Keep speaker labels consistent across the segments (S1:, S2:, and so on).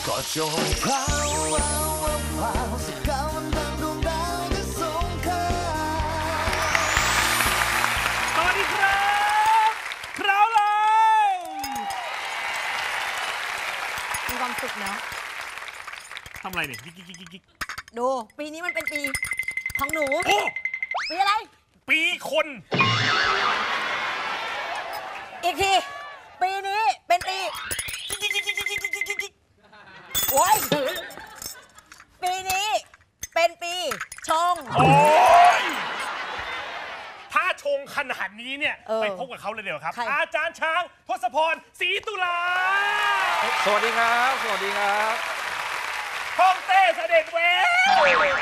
S1: ก็จงพราวพราวสกาวมันดังดวงดาวที่สูงค่า
S2: สวัสดีครับคราวเลย
S3: มีความสุขเนาะ
S2: ทำอะไรเนี่ยกิ๊ก
S3: ดูปีนี้มันเป็นปีของหนู
S2: โอ้
S3: ปีอะไร
S2: ปีคน
S3: อีกทีปีนี้เป็นปีโอ้ยปีนี้เป็นปีชง
S2: โอ้ยถ้าชงขนาดนี้เนี่ยไปพบกับเขาเลยเดี๋ยวครับ อาจารย์ช้างทศพรศรีตุลา
S4: สวัสดีครับสวัสดีครับ
S2: ฮ่องเต้เสด็จแหวว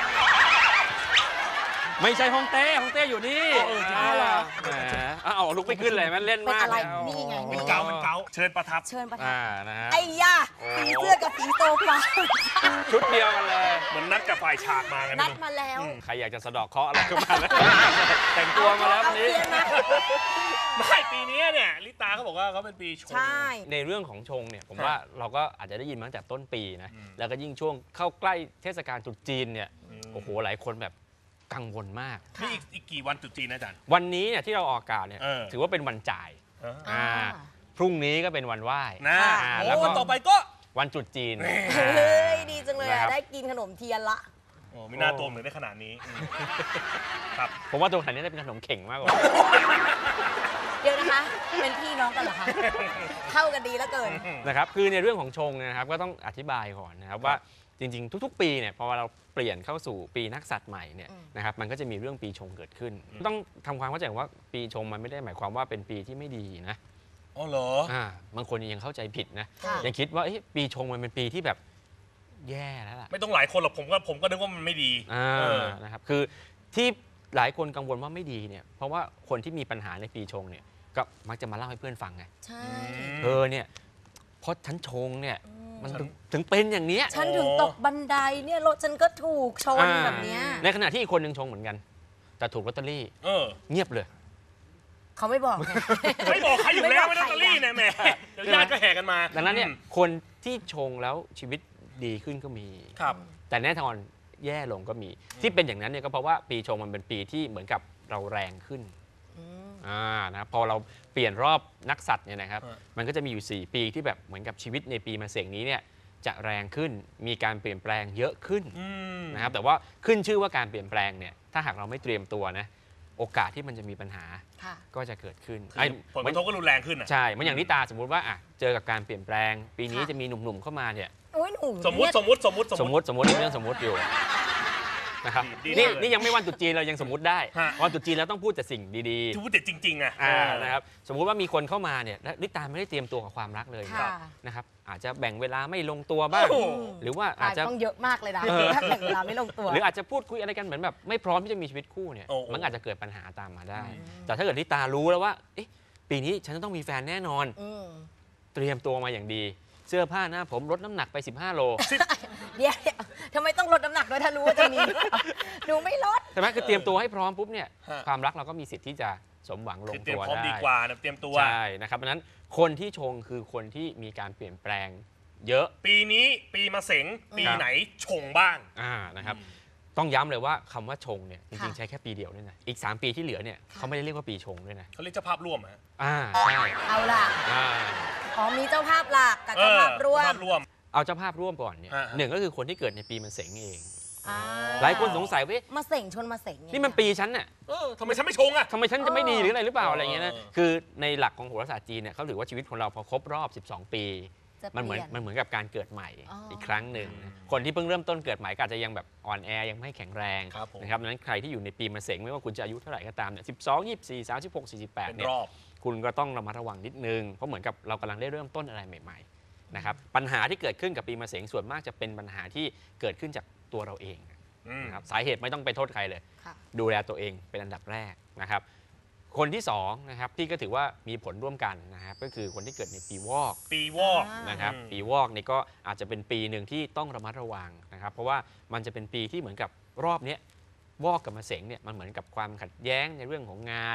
S4: ไม่ใช่ฮ่องเต้อยู่นี่
S3: ใช่เหรอ
S4: แหมเอาลุกไม่ขึ้นเลยมันเล่นมาก
S3: อะไรนี่ไง
S2: มันเก๋าเชิญประทับ
S4: นะฮะ
S3: ไอ้ยาสีเสื้อกับสีโตฟ้า
S4: ชุดเดียวกันเลย
S2: เหมือนนัดกับฝ่ายฉากมากัน
S3: นัดมาแล้ว
S4: ใครอยากจะสะดอกเคราะห์อะไรก็มาแล้วแต่งตัวมาแล้ววันนี้
S2: ไม่ปีนี้เนี่ยลิตาเขาบอกว่าเขาเป็นปีชง
S4: ในเรื่องของชงเนี่ยผมว่าเราก็อาจจะได้ยินมาตั้งแต่ต้นปีนะแล้วก็ยิ่งช่วงเข้าใกล้เทศกาลตรุษจีนเนี่ยโอ้โหหลายคนแบบกังวลมาก
S2: นี่อีกกี่วันตรุษจีนนะอาจารย์
S4: วันนี้เนี่ยที่เราออกอากาศเนี่ยถือว่าเป็นวันจ่ายพรุ่งนี้ก็เป็นวันไหว้
S2: แล้ววันต่อไปก็
S4: วันตรุษจีน
S3: เฮ้ยดีจังเลยได้กินขนมเทียนละ
S2: โอ้ไม่น่าตัวเหมือนได้ขนาดนี้ครับ
S4: ผมว่าตัวขนาดนี้ได้เป็นขนมเข่งมากกว่า
S3: เดี๋ยวนะคะเป็นพี่น้องกันเหรอคะเข้ากันดีแล้วเกิน
S4: นะครับคือในเรื่องของชงนะครับก็ต้องอธิบายก่อนนะครับว่าจริงๆทุกๆปีเนี่ยพอเราเปลี่ยนเข้าสู่ปีนักษัตริย์ใหม่เนี่ยนะครับมันก็จะมีเรื่องปีชงเกิดขึ้นต้องทำความเข้าใจว่าปีชงมันไม่ได้หมายความว่าเป็นปีที่ไม่ดีนะ
S2: อ๋อเหร
S4: อบางคนยังเข้าใจผิดนะยังคิดว่าปีชงมันเป็นปีที่แบบแย่แล้วล่ะ
S2: ไม่ต้องหลายคนหรอกผมก็นึกว่ามันไม่ดี
S4: นะครับคือที่หลายคนกังวลว่าไม่ดีเนี่ยเพราะว่าคนที่มีปัญหาในปีชงเนี่ยก็มักจะมาเล่าให้เพื่อนฟังไง
S3: ใช่
S4: เนี่ยเพราะฉันชงเนี่ยมันถึงเป็นอย่างนี้
S3: ฉันถึงตกบันไดเนี่ยรถฉันก็ถูกชนแบบนี้
S4: ในขณะที่อีกคนหนึ่งชงเหมือนกันแต่ถูกลอตเตอรี่เงียบเลย
S3: เขาไม่บอก
S2: ไม่บอกใครอยู่แล้วไม่ลอตเตอรี่เนี่ยแม่เดี๋ยวญาติก็แห่กันมา
S4: ดังนั้นเนี่ยคนที่ชงแล้วชีวิตดีขึ้นก็มีแต่แน่นอนแย่ลงก็มีที่เป็นอย่างนั้นเนี่ยก็เพราะว่าปีชงมันเป็นปีที่เหมือนกับเราแรงขึ้นนะพอเราเปลี่ยนรอบนักษัตริย์เนี่ยนะครับมันก็จะมีอยู่4ปีที่แบบเหมือนกับชีวิตในปีมะเสงนี้เนี่ยจะแรงขึ้นมีการเปลี่ยนแปลงเยอะขึ้นนะครับแต่ว่าขึ้นชื่อว่าการเปลี่ยนแปลงเนี่ยถ้าหากเราไม่เตรียมตัวนะโอกาสที่มันจะมีปัญหาก็จะเกิดขึ้น
S2: ผลกระทบก็รุนแรงขึ้น
S4: ใช่มันอย่างนิตาสมมุติว่าเจอกับการเปลี่ยนแปลงปีนี้จะมีหนุ่มๆเข้ามาเนี่ย
S2: สมมติเรื่องสมมติอยู่นะครับนี่ยังไม่วันตรุษจีนเรายังสมมติได้วันตรุษจีนเราต้องพูดแต่สิ่งดีๆพูดแต่จริงๆ
S4: นะครับสมมุติว่ามีคนเข้ามาเนี่ยลิตาไม่ได้เตรียมตัวกับความรักเลยนะครับอาจจะแบ่งเวลาไม่ลงตัวบ้างหรือว่าอาจจะ
S3: ต้องเยอะมากเลยนะถ้าแบ่งเวลาไม่ลงตัว
S4: หรืออาจจะพูดคุยอะไรกันเหมือนแบบไม่พร้อมที่จะมีชีวิตคู่เนี่ยมันอาจจะเกิดปัญหาตามมาได้แต่ถ้าเกิดลิตารู้แล้วว่าปีนี้ฉันจะต้องมีแฟนแน่นอนเตรียมตัวมาอย่างดีเสื้อผ้าหน้าผมลดน้ำหนักไป15 โล
S3: เดี๋ยวทำไมต้องลดน้ำหนักด้วยถ้ารู้ว่าจะมีหนูไม่ลด
S4: ใช่ไหมคือเตรียมตัวให้พร้อมปุ๊บเนี่ยความรักเราก็มีสิทธิ์ที่จะสมหวังลงตัวได้
S2: ดีกว่าเตรียมตัว
S4: ใช่นะครับเพราะนั้นคนที่ชงคือคนที่มีการเปลี่ยนแปลงเยอะ
S2: ปีนี้ปีมะเสงปีไหนชงบ้าง
S4: นะครับต้องย้ำเลยว่าคำว่าชงเนี่ยจริงๆใช้แค่ปีเดียวด้วยนะอีก3 ปีที่เหลือเนี่ยเขาไม่ได้เรียกว่าปีชงด้วยนะ
S2: เขาเรียกเจ้าภาพร่วม
S4: ใช่
S3: เอาล่ะมีเจ้าภาพหลักกับเจ้าภาพร่วม
S4: เอาเจ้าภาพร่วมก่อนเนี่ยหนึ่งก็คือคนที่เกิดในปีมะเสงเองหลายคนสงสัยว่าม
S3: ะเสงชนมะเสง
S4: นี่มันปีฉันน่ะ
S2: ทำไมฉันไม่ชง
S4: ทำไมฉันจะไม่ดีหรืออะไรหรือเปล่าอะไรเงี้ยนะคือในหลักของโหราศาสตร์จีนเนี่ยเขาถือว่าชีวิตของเราพอครบรอบ12 ปีมันเหมือนกับการเกิดใหม่อีกครั้งหนึ่งคนที่เพิ่งเริ่มต้นเกิดใหม่ก็อาจจะยังแบบอ่อนแอยังไม่แข็งแรงนะครับดังนั้นใครที่อยู่ในปีมะเสงไม่ว่าคุณจะอายุเท่าไหร่ก็ตามเนี่ย12 24 36 48เนี่ยคุณก็ต้องระมัดระวังนิดนึงเพราะเหมือนกับเรากำลังได้เริ่มต้นอะไรใหม่ๆนะครับปัญหาที่เกิดขึ้นกับปีมะเสงส่วนมากจะเป็นปัญหาที่เกิดขึ้นจากตัวเราเองนะครับสาเหตุไม่ต้องไปโทษใครเลยดูแลตัวเองเป็นอันดับแรกนะครับคนที่2นะครับที่ก็ถือว่ามีผลร่วมกันนะครับก็คือคนที่เกิดในปีวอกนะครับปีวอกนี่ก็อาจจะเป็นปีหนึ่งที่ต้องระมัดระวังนะครับเพราะว่ามันจะเป็นปีที่เหมือนกับรอบนี้วอกกับมะเสงเนี่ยมันเหมือนกับความขัดแย้งในเรื่องของงาน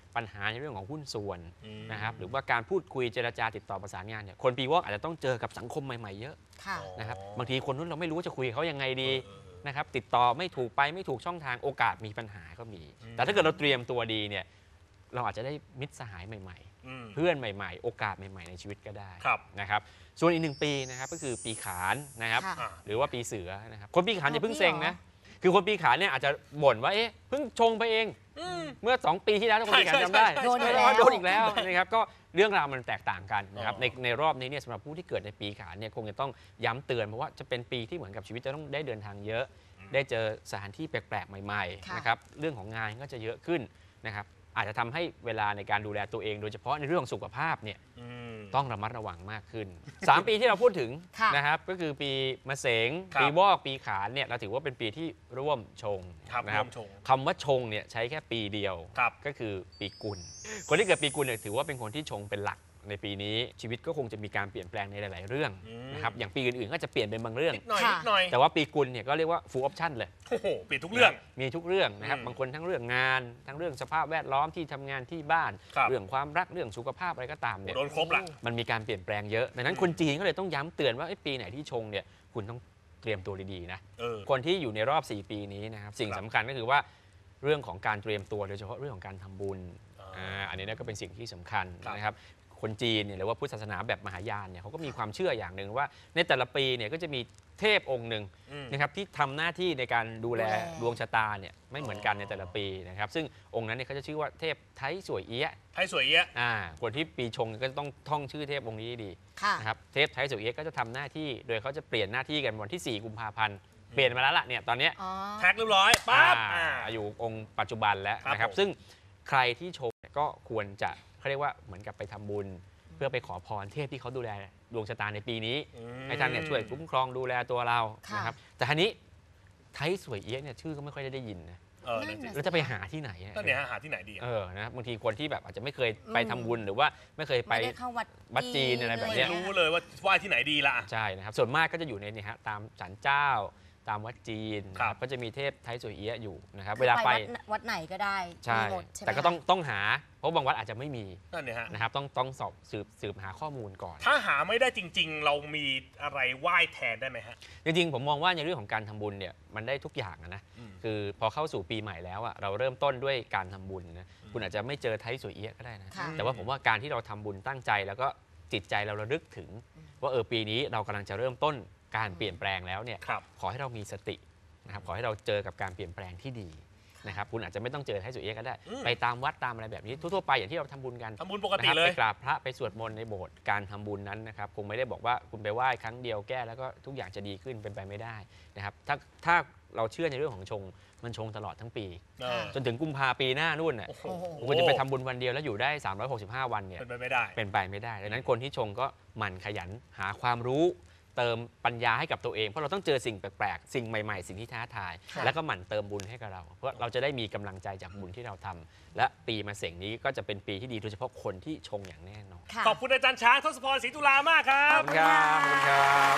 S4: ปัญหาในเรื่องของหุ้นส่วนนะครับหรือว่าการพูดคุยเจรจาติดต่อประสานงานเนี่ยคนปีวอกอาจจะต้องเจอกับสังคมใหม่ๆเยอะนะครับบางทีคนนู้นเราไม่รู้จะคุยเขายังไงดีนะครับติดต่อไม่ถูกไปไม่ถูกช่องทางโอกาสมีปัญหาก็มีแต่ถ้าเกิดเราเตรียมตัวดีเนี่ยเราอาจจะได้มิตรสหายใหม่ๆเพื่อนใหม่ๆโอกาสใหม่ๆในชีวิตก็ได้นะครับส่วนอีก1 ปีนะครับก็คือปีขานนะครับหรือว่าปีเสือนะครับคนปีขานอย่าเพิ่งเซ็งนะคือคนปีขานเนี่ยอาจจะบ่นว่าเพิ่งชงไปเองเมื่อ2 ปีที่แล้วคนปีขานจำได้โดนอีกแล้วนะครับก็เรื่องราวมันแตกต่างกันนะครับในรอบนี้เนี่ยสำหรับผู้ที่เกิดในปีขานเนี่ยคงจะต้องย้ำเตือนเพราะว่าจะเป็นปีที่เหมือนกับชีวิตจะต้องได้เดินทางเยอะได้เจอสถานที่แปลกๆใหม่ๆนะครับเรื่องของงานก็จะเยอะขึ้นนะครับอาจจะทำให้เวลาในการดูแลตัวเองโดยเฉพาะในเรื่องสุขภาพเนี่ยต้องระมัดระวังมากขึ้น3 ปีที่เราพูดถึงนะครับก็คือปีมะเสงปีวอกปีขานเนี่ยเราถือว่าเป็นปีที่ร่วมชงนะครับคำว่าชงเนี่ยใช้แค่ปีเดียวก็คือปีกุลคนที่เกิดปีกุลเนี่ยถือว่าเป็นคนที่ชงเป็นหลักในปีนี้ชีวิตก็คงจะมีการเปลี่ยนแปลงในหลายๆเรื่องนะครับอย่างปีอื่นๆก็จะเปลี่ยนเป็นบางเรื่อง
S1: นิดหน่อย
S4: แต่ว่าปีกุลเนี่ยก็เรียกว่า full option เลย
S1: โอ้โหเปลี่ยนทุกเรื่อง
S4: มีทุกเรื่องนะครับบางคนทั้งเรื่องงานทั้งเรื่องสภาพแวดล้อมที่ทำงานที่บ้านเรื่องความรักเรื่องสุขภาพอะไรก็ตามเนี่ย
S1: โดนครบละ
S4: มันมีการเปลี่ยนแปลงเยอะดังนั้นคนจีนก็เลยต้องย้ำเตือนว่าปีไหนที่ชงเนี่ยคุณต้องเตรียมตัวดีๆนะคนที่อยู่ในรอบ4 ปีนี้นะครับสิ่งสำคัญก็คือว่าเรื่องของการเตรียมตัวโดยเฉพาะเรื่องของการทำบุญอันนี้ก็เป็นสิ่งที่สำคัญนะครับคนจีนเนี่ยหรือว่าพุทธศาสนาแบบมหายานเนี่ยเขาก็มีความเชื่ออย่างหนึ่งว่าในแต่ละปีเนี่ยก็จะมีเทพองค์หนึ่งนะครับที่ทำหน้าที่ในการดูแลดวงชะตาเนี่ยไม่เหมือนกันในแต่ละปีนะครับซึ่งองค์นั้นเนี่ยเขาจะชื่อว่าเทพไทสวยเอี้ยคนที่ปีชงก็ต้องท่องชื่อเทพองค์นี้ดีนะครับเทพไทสวยเอี้ยก็จะทำหน้าที่โดยเขาจะเปลี่ยนหน้าที่กันวันที่4 กุมภาพันธ์เปลี่ยนมาแล้วล่ะเนี่ยตอนนี้
S1: แท็กเรียบร้อยปั๊บ
S4: อยู่องค์ปัจจุบันแล้วนะครับซึ่งใครที่ชงก็ควรจะเขาเรียกว่าเหมือนกับไปทำบุญเพื่อไปขอพรเทพที่เขาดูแลดวงชะตาในปีนี้ให้ท่านเนี่ยช่วยคุ้มครองดูแลตัวเรานะครับแต่ทีนี้ไทสวยเอี้ยเนี่ยชื่อก็ไม่ค่อยได้ยินนะแล้วจะไปหาที่ไหน
S1: ก็เนี่ยหาที่ไหนดี
S4: นะบางทีคนที่แบบอาจจะไม่เคยไปทำบุญหรือว่าไม่เคยไปวัดจีนอะไรแบบนี้
S1: รู้เลยว่าไหว้ที่ไหนดีละ
S4: ใช่นะครับส่วนมากก็จะอยู่ในนี่ฮะตามศาลเจ้าตามวัดจีนก็จะมีเทพไทสวยเอี้ยอยู่นะครับเวลาไป
S3: วัดไหนก็ได้
S4: ใช่แต่ก็ต้องหาเพราะบางวัดอาจจะไม่มีนะครับต้องสอบสืบหาข้อมูลก่อน
S1: ถ้าหาไม่ได้จริงๆเรามีอะไรไหว้แทนได้ไหมฮะ
S4: จริงๆผมมองว่าในเรื่องของการทำบุญเนี่ยมันได้ทุกอย่างนะคือพอเข้าสู่ปีใหม่แล้วเราเริ่มต้นด้วยการทำบุญนะคุณอาจจะไม่เจอไทสวยเอี้ยก็ได้นะแต่ว่าผมว่าการที่เราทำบุญตั้งใจแล้วก็จิตใจเราระลึกถึงว่าปีนี้เรากำลังจะเริ่มต้นการเปลี่ยนแปลงแล้วเนี่ยขอให้เรามีสตินะครับขอให้เราเจอกับการเปลี่ยนแปลงที่ดีนะครับคุณอาจจะไม่ต้องเจอไทสวยเอี้ยก็ได้ไปตามวัดตามอะไรแบบนี้ทั่วๆไปอย่างที่เราทำบุญกัน
S1: ทำบุญปกติเลย
S4: ไปกราบพระไปสวดมนต์ในโบสถ์การทำบุญนั้นนะครับคงไม่ได้บอกว่าคุณไปไหว้ครั้งเดียวแก้แล้วก็ทุกอย่างจะดีขึ้นเป็นไปไม่ได้นะครับถ้าเราเชื่อในเรื่องของชงมันชงตลอดทั้งปีจนถึงกุมภาปีหน้านู่นน่ะคุณจะไปทำบุญวันเดียวแล้วอยู่ได้365 วันเนี่ย
S1: เป็นไปไม่ได้
S4: ดังนั้นคนที่ชงก็หมั่นขยันหาความรู้เติมปัญญาให้กับตัวเองเพราะเราต้องเจอสิ่งแปลกๆสิ่งใหม่ๆสิ่งที่ท้าทายแล้วก็หมั่นเติมบุญให้กับเราเพราะเราจะได้มีกำลังใจจากบุญที่เราทำและปีมะเสงนี้ก็จะเป็นปีที่ดีโดยเฉพาะคนที่ชงอย่างแน่นอน
S1: ขอบคุณอาจารย์ช้างทศพร ศรีตุลามากครับ
S4: ขอบคุณครับ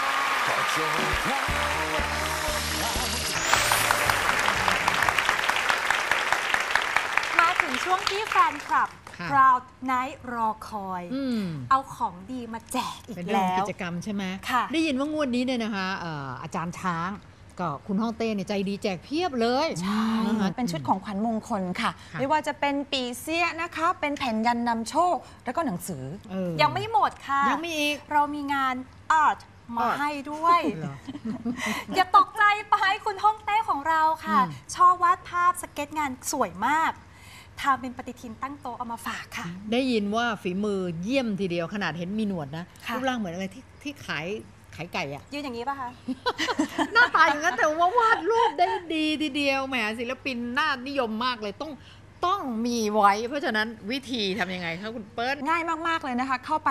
S5: มาถึงช่วงที่แฟนคลับProud Night รอคอยเอาของดีมาแจกอีกแล้ว
S6: เป็นกิจกรรมใช่ไหมได้ยินว่างวดนี้เนี่ยนะคะอาจารย์ช้างก็คุณฮ่องเต้เนี่ยใจดีแจกเพียบเลย
S5: ใช่เป็นชุดของขวัญมงคลค่ะไม่ว่าจะเป็นปีเสี้ยนะคะเป็นแผ่นยันนำโชคแล้วก็หนังสือยังไม่หมดค่ะ
S6: ยังมีอีก
S5: เรามีงานอาร์ตมาให้ด้วยอย่าตกใจไปคุณฮ่องเต้ของเราค่ะชอบวาดภาพสเก็ตงานสวยมากทำเป็นปฏิทินตั้งโต๊ะเอามาฝากค่ะ
S6: ได้ยินว่าฝีมือเยี่ยมทีเดียวขนาดเห็นมีหนวดนะรูปร่างเหมือนอะไรที่ขายไก่อะ
S5: ยืนอย่างนี้ป่ะคะ
S6: หน้าตาอย่างนั้นแต่ว่าวาดรูปได้ดีทีเดียวแหมศิลปินน่านิยมมากเลยต้องมีไว้เพราะฉะนั้นวิธีทำยังไงคะคุณเปิ้ล
S5: ง่ายมากๆเลยนะคะเข้าไป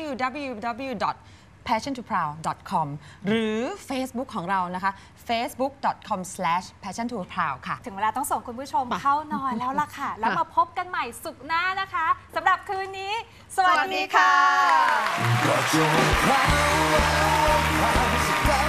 S5: www.passiontoproud.com หรือ Facebook ของเรานะคะ facebook.com/passiontoproud ค่ะถึงเวลาต้องส่งคุณผู้ชมเข้านอนแล้วล่ะค่ะแล้วมาพบกันใหม่ศุกร์หน้านะคะสำหรับคืนนี้สวัสดีค่ะ